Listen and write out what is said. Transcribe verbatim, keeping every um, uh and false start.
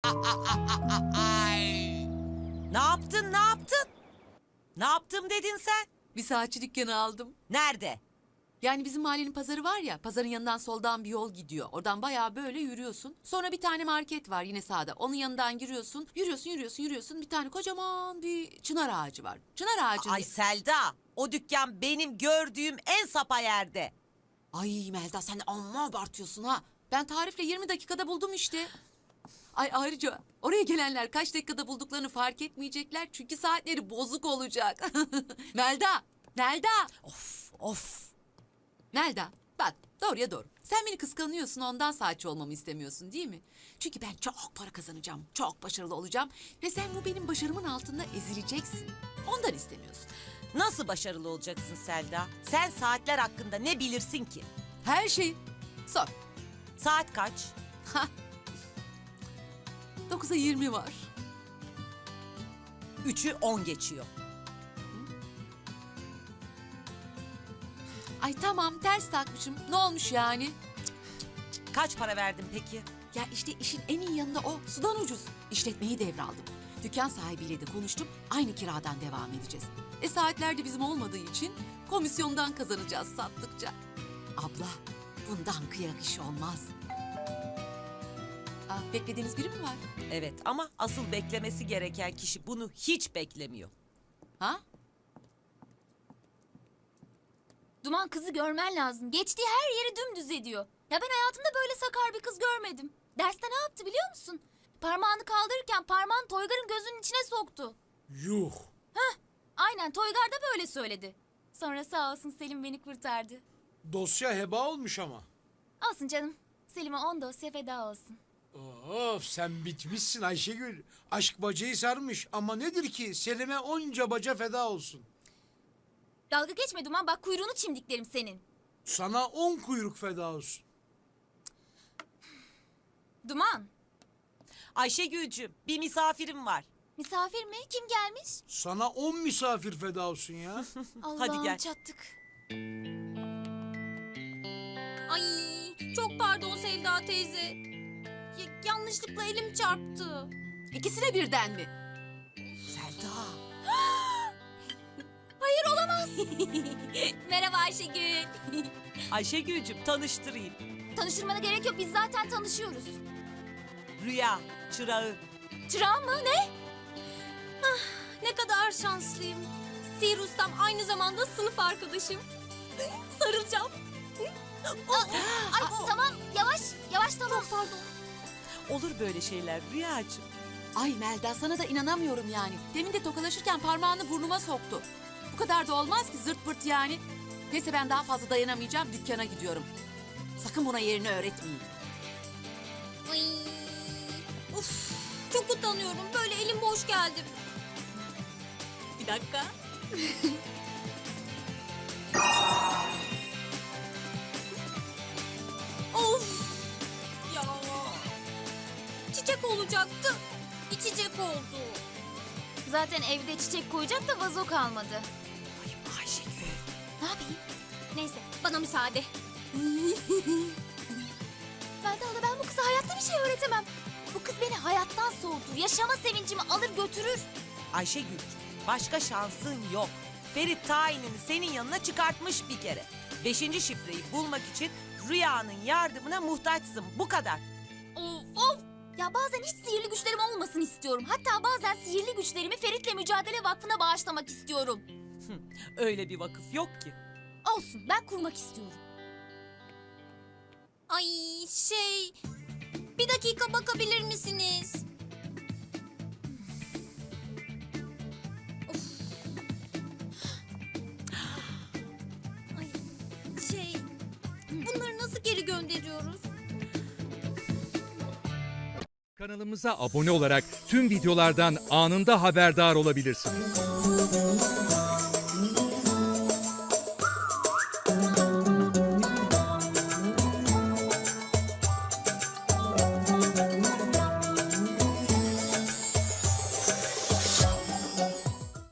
Ne yaptın, ne yaptın? Ne yaptım dedin sen? Bir saatçi dükkanı aldım. Nerede? Yani bizim mahallenin pazarı var ya, pazarın yanından soldan bir yol gidiyor. Oradan bayağı böyle yürüyorsun. Sonra bir tane market var yine sağda. Onun yanından giriyorsun. Yürüyorsun, yürüyorsun, yürüyorsun. Bir tane kocaman bir çınar ağacı var. Çınar ağacı. Ay Selda, o dükkan benim gördüğüm en sapa yerde. Ay Melda sen de amma abartıyorsun ha. Ben tarifle yirmi dakikada buldum işte. Ay ayrıca oraya gelenler kaç dakikada bulduklarını fark etmeyecekler. Çünkü saatleri bozuk olacak. Melda, Melda. Of, of. Melda bak doğruya doğru. Sen beni kıskanıyorsun ondan saatçi olmamı istemiyorsun değil mi? Çünkü ben çok para kazanacağım. Çok başarılı olacağım. Ve sen bu benim başarımın altında ezileceksin. Ondan istemiyorsun. Nasıl başarılı olacaksın Selda? Sen saatler hakkında ne bilirsin ki? Her şey. Sor. Saat kaç? Dokuza yirmi var. Üçü on geçiyor. Ay tamam ters takmışım. Ne olmuş yani? Kaç para verdin peki? Ya işte işin en iyi yanında o. Sudan ucuz. İşletmeyi devraldım. Dükkan sahibiyle de konuştum. Aynı kiradan devam edeceğiz. E saatler de bizim olmadığı için komisyondan kazanacağız sattıkça. Abla bundan kıyak iş olmaz. Aa, beklediğiniz biri mi var? Evet ama asıl beklemesi gereken kişi bunu hiç beklemiyor. Ha? Duman kızı görmen lazım. Geçtiği her yeri dümdüz ediyor. Ya ben hayatımda böyle sakar bir kız görmedim. Derste ne yaptı biliyor musun? Parmağını kaldırırken parmağını Toygar'ın gözünün içine soktu. Yuh! Aynen Toygar da böyle söyledi. Sonra sağ olsun Selim beni kurtardı. Dosya heba olmuş ama. Olsun canım. Selim'e on dosya feda olsun. Of sen bitmişsin Ayşegül. Aşk bacayı sarmış ama nedir ki Selim'e onca baca feda olsun. Dalga geçme Duman bak kuyruğunu çimdiklerim senin. Sana on kuyruk feda olsun. Duman. Ayşegül'cüm bir misafirim var. Misafir mi? Kim gelmiş? Sana on misafir feda olsun ya. Allah'ım gel. çattık. Ay çok pardon Sevda teyze. Ya- yanlışlıkla elim çarptı. İkisine birden mi? Selda. Hayır olamaz. Merhaba Ayşegül. Ayşegül'cüm tanıştırayım. Tanıştırmana gerek yok biz zaten tanışıyoruz. Rüya, çırağı. Çırağım mı ne? Ah, ne kadar şanslıyım. Sihir ustam aynı zamanda sınıf arkadaşım. Sarılacağım. Ay tamam yavaş yavaş tamam pardon. Olur böyle şeyler Rüyacığım. Ay Melda sana da inanamıyorum yani. Demin de tokalaşırken parmağını burnuma soktu. Bu kadar da olmaz ki zırt pırt yani. Neyse ben daha fazla dayanamayacağım dükkana gidiyorum. Sakın buna yerini öğretmeyin. Ay, uf, çok utanıyorum. Böyle elim boş geldim. Bir dakika. Of! Ya. Çiçek olacaktı. İçecek oldu. Zaten evde çiçek koyacak da vazo kalmadı. Ay Ayşegül. Ne yapayım? Neyse bana müsaade. Melda hala ben bu kıza hayatta bir şey öğretemem. Bu kız beni hayattan soğutur. Yaşama sevincimi alır götürür. Ayşegül, başka şansın yok. Ferit tayinini senin yanına çıkartmış bir kere. Beşinci şifreyi bulmak için Rüya'nın yardımına muhtaçsın. Bu kadar. Of of. Ya bazen hiç sihirli güçlerim olmasın istiyorum. Hatta bazen sihirli güçlerimi Ferit'le Mücadele Vakfı'na bağışlamak istiyorum. Öyle bir vakıf yok ki. Olsun ben kurmak istiyorum. Ay şey... Bir dakika bakabilir misiniz? Of. Ay şey... Bunları nasıl geri gönderiyoruz? Kanalımıza abone olarak tüm videolardan anında haberdar olabilirsiniz.